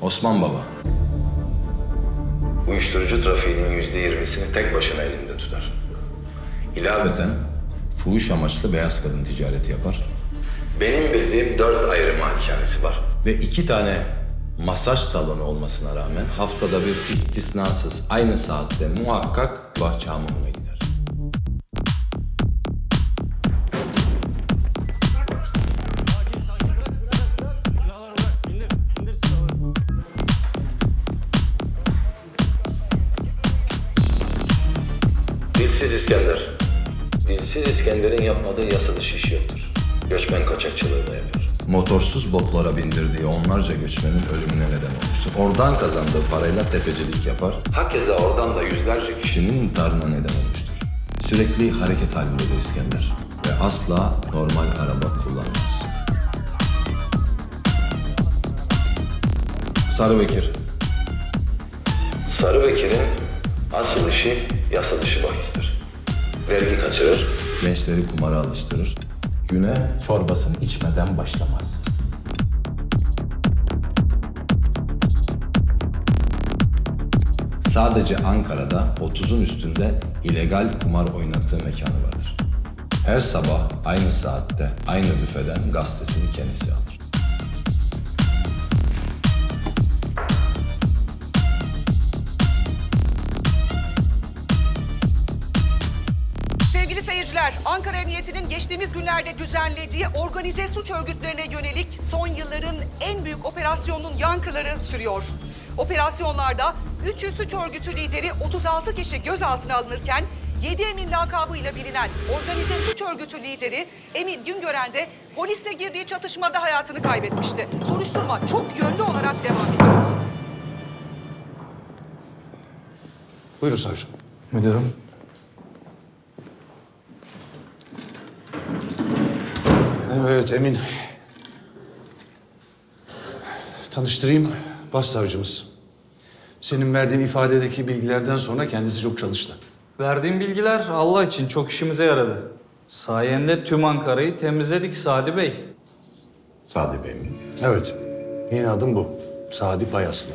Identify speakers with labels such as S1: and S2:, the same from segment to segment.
S1: Osman Baba.
S2: Uyuşturucu trafiğinin %20'sini tek başına elinde tutar.
S1: İlaveten fuhuş amaçlı beyaz kadın ticareti yapar.
S2: Benim bildiğim 4 ayrı malikanesi var.
S1: Ve 2 tane masaj salonu olmasına rağmen haftada bir istisnasız aynı saatte muhakkak bahçe hamamına gider.
S2: Dilsiz İskender. Dilsiz İskender'in yapmadığı yasa dışı iş yoktur. Göçmen kaçakçılığı da yapıyor.
S1: Motorsuz botlara bindirdiği onlarca göçmenin ölümüne neden olmuştur. Oradan kazandığı parayla tefecilik yapar.
S2: Hakeza oradan da yüzlerce kişi.
S1: Kişinin intiharına neden olmuştur. Sürekli hareket halindedir İskender. Ve asla normal araba kullanmaz. Sarıbekir.
S2: Sarıbekir'in asıl işi yasa dışı bahistir. Vergi kaçırır.
S1: Gençleri kumara alıştırır. Güne çorbasını içmeden başlamaz. Sadece Ankara'da 30'un üstünde illegal kumar oynattığı mekanı vardır. Her sabah aynı saatte aynı büfeden gazetesini kendisi alır.
S3: Sevgili seyirciler, Ankara Emniyeti'nin geçtiğimiz günlerde düzenlediği organize suç örgütlerine yönelik son yılların en büyük operasyonunun yankıları sürüyor. Operasyonlarda 300 suç örgütü lideri 36 kişi gözaltına alınırken 7 Emin lakabıyla bilinen organize suç örgütü lideri Emin Güngören de polisle girdiği çatışmada hayatını kaybetmişti. Soruşturma çok yönlü olarak devam ediyor.
S4: Buyurun savcım.
S1: Müdürüm.
S4: Evet Emin. Tanıştırayım, başsavcımız. Senin verdiğin ifadedeki bilgilerden sonra kendisi çok çalıştı.
S5: Verdiğim bilgiler Allah için çok işimize yaradı. Sayende tüm Ankara'yı temizledik Sadi Bey.
S1: Sadi Bey mi?
S4: Evet, yeni adım bu. Sadi Payaslı.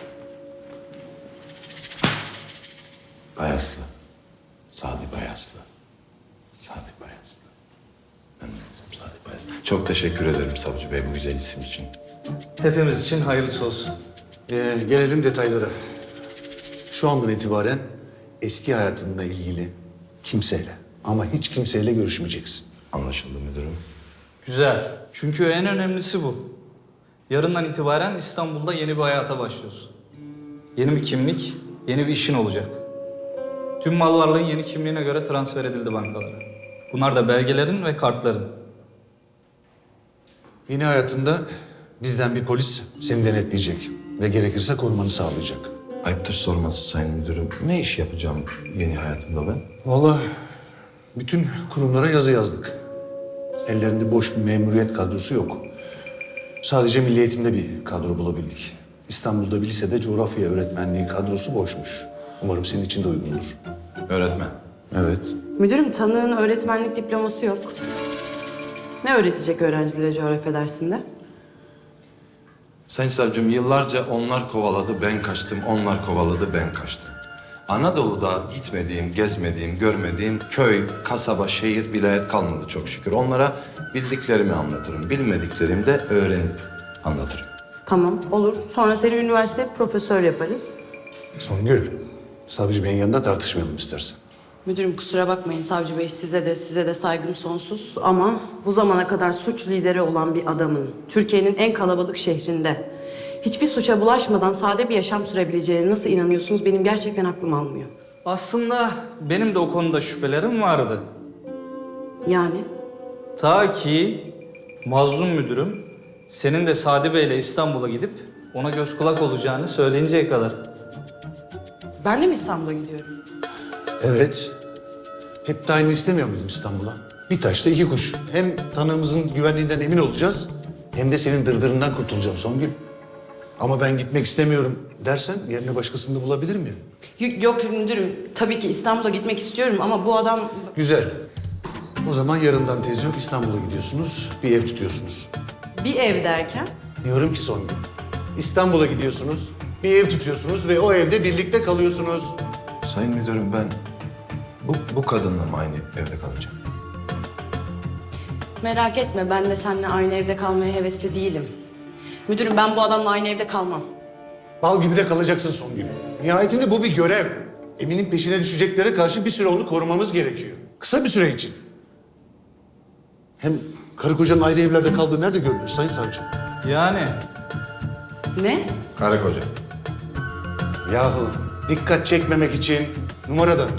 S1: Bayaslı. Sadi Bayaslı. Sadi Bayaslı. Ben Sadi Bayaslı. Çok teşekkür ederim Savcı Bey bu güzel isim için.
S5: Hepimiz için hayırlısı olsun.
S4: Gelelim detaylara. Şu andan itibaren eski hayatınla ilgili kimseyle ama hiç kimseyle görüşmeyeceksin.
S1: Anlaşıldı müdürüm.
S5: Güzel. Çünkü en önemlisi bu. Yarından itibaren İstanbul'da yeni bir hayata başlıyorsun. Yeni bir kimlik, yeni bir işin olacak. Tüm mal varlığın yeni kimliğine göre transfer edildi bankalara. Bunlar da belgelerin ve kartların.
S4: Yeni hayatında bizden bir polis seni denetleyecek ve gerekirse korumanı sağlayacak.
S1: Ayıptır sorması sayın müdürüm. Ne iş yapacağım yeni hayatımda ben?
S4: Vallahi bütün kurumlara yazı yazdık. Ellerinde boş bir memuriyet kadrosu yok. Sadece Milli Eğitim'de bir kadro bulabildik. İstanbul'da bir lisede coğrafya öğretmenliği kadrosu boşmuş. Umarım senin için de uygundur.
S1: Öğretmen.
S4: Evet.
S6: Müdürüm, tanığın öğretmenlik diploması yok. Ne öğretecek öğrencilere coğrafya dersinde?
S1: Sayın savcım yıllarca onlar kovaladı ben kaçtım, onlar kovaladı ben kaçtım. Anadolu'da gitmediğim, gezmediğim, görmediğim köy, kasaba, şehir, vilayet kalmadı çok şükür. Onlara bildiklerimi anlatırım, bilmediklerimi de öğrenip anlatırım.
S6: Tamam, olur. Sonra seni üniversite profesör yaparız.
S4: Songül, savcı beyin yanında tartışmayalım istersen.
S6: Müdürüm kusura bakmayın savcı bey, size de saygım sonsuz. Ama bu zamana kadar suç lideri olan bir adamın Türkiye'nin en kalabalık şehrinde hiçbir suça bulaşmadan sade bir yaşam sürebileceğine nasıl inanıyorsunuz? Benim gerçekten aklım almıyor.
S5: Aslında benim de o konuda şüphelerim vardı.
S6: Yani?
S5: Ta ki mazlum müdürüm senin de Sadi Bey'le İstanbul'a gidip ona göz kulak olacağını söyleyinceye kadar.
S6: Ben de mi İstanbul'a gidiyorum?
S4: Evet. Hep de aynı istemiyor muydun İstanbul'a? Bir taşla iki kuş. Hem tanığımızın güvenliğinden emin olacağız, hem de senin dırdırından kurtulacağım Songül. Ama ben gitmek istemiyorum dersen yerine başkasını da bulabilir miyim?
S6: Yok müdürüm, tabii ki İstanbul'a gitmek istiyorum ama bu adam...
S4: Güzel. O zaman yarından tez yok, İstanbul'a gidiyorsunuz, bir ev tutuyorsunuz.
S6: Bir ev derken?
S4: Diyorum ki Songül, İstanbul'a gidiyorsunuz, bir ev tutuyorsunuz ve o evde birlikte kalıyorsunuz.
S1: Sayın müdürüm ben bu kadınla mı aynı evde kalacağım?
S6: Merak etme, ben de seninle aynı evde kalmaya hevesli değilim. Müdürüm, ben bu adamla aynı evde kalmam.
S4: Bal gibi de kalacaksın Songül. Nihayetinde bu bir görev. Emin'in peşine düşeceklere karşı bir süre onu korumamız gerekiyor. Kısa bir süre için. Hem karı kocanın ayrı evlerde kaldığı nerede görülür Sayın Savcı?
S5: Yani
S6: Ne?
S1: Karı koca.
S4: Yahu dikkat çekmemek için numaradan.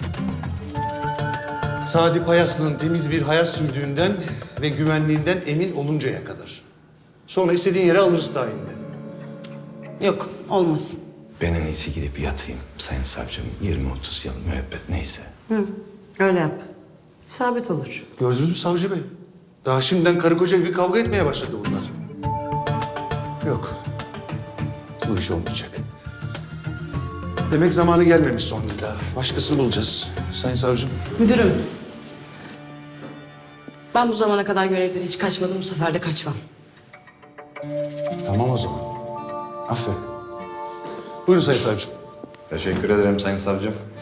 S4: Sadi Payaslı'nın temiz bir hayat sürdüğünden ve güvenliğinden emin oluncaya kadar. Sonra istediğin yere alırız tayinle.
S6: Yok, olmaz.
S1: Ben en iyisi gidip yatayım sayın savcım. 20-30 yıl müebbet neyse.
S6: Öyle yap. İsabet olur.
S4: Gördünüz mü savcı bey? Daha şimdiden karı koca gibi kavga etmeye başladı bunlar. Yok. Bu iş olmayacak. Demek zamanı gelmemiş sonunda. Başkasını bulacağız. Sayın savcım.
S6: Müdürüm. Ben bu zamana kadar görevden hiç kaçmadım, bu sefer de kaçmam.
S4: Tamam o zaman. Aferin. Buyurun sayın savcım.
S1: Teşekkür ederim sayın savcım.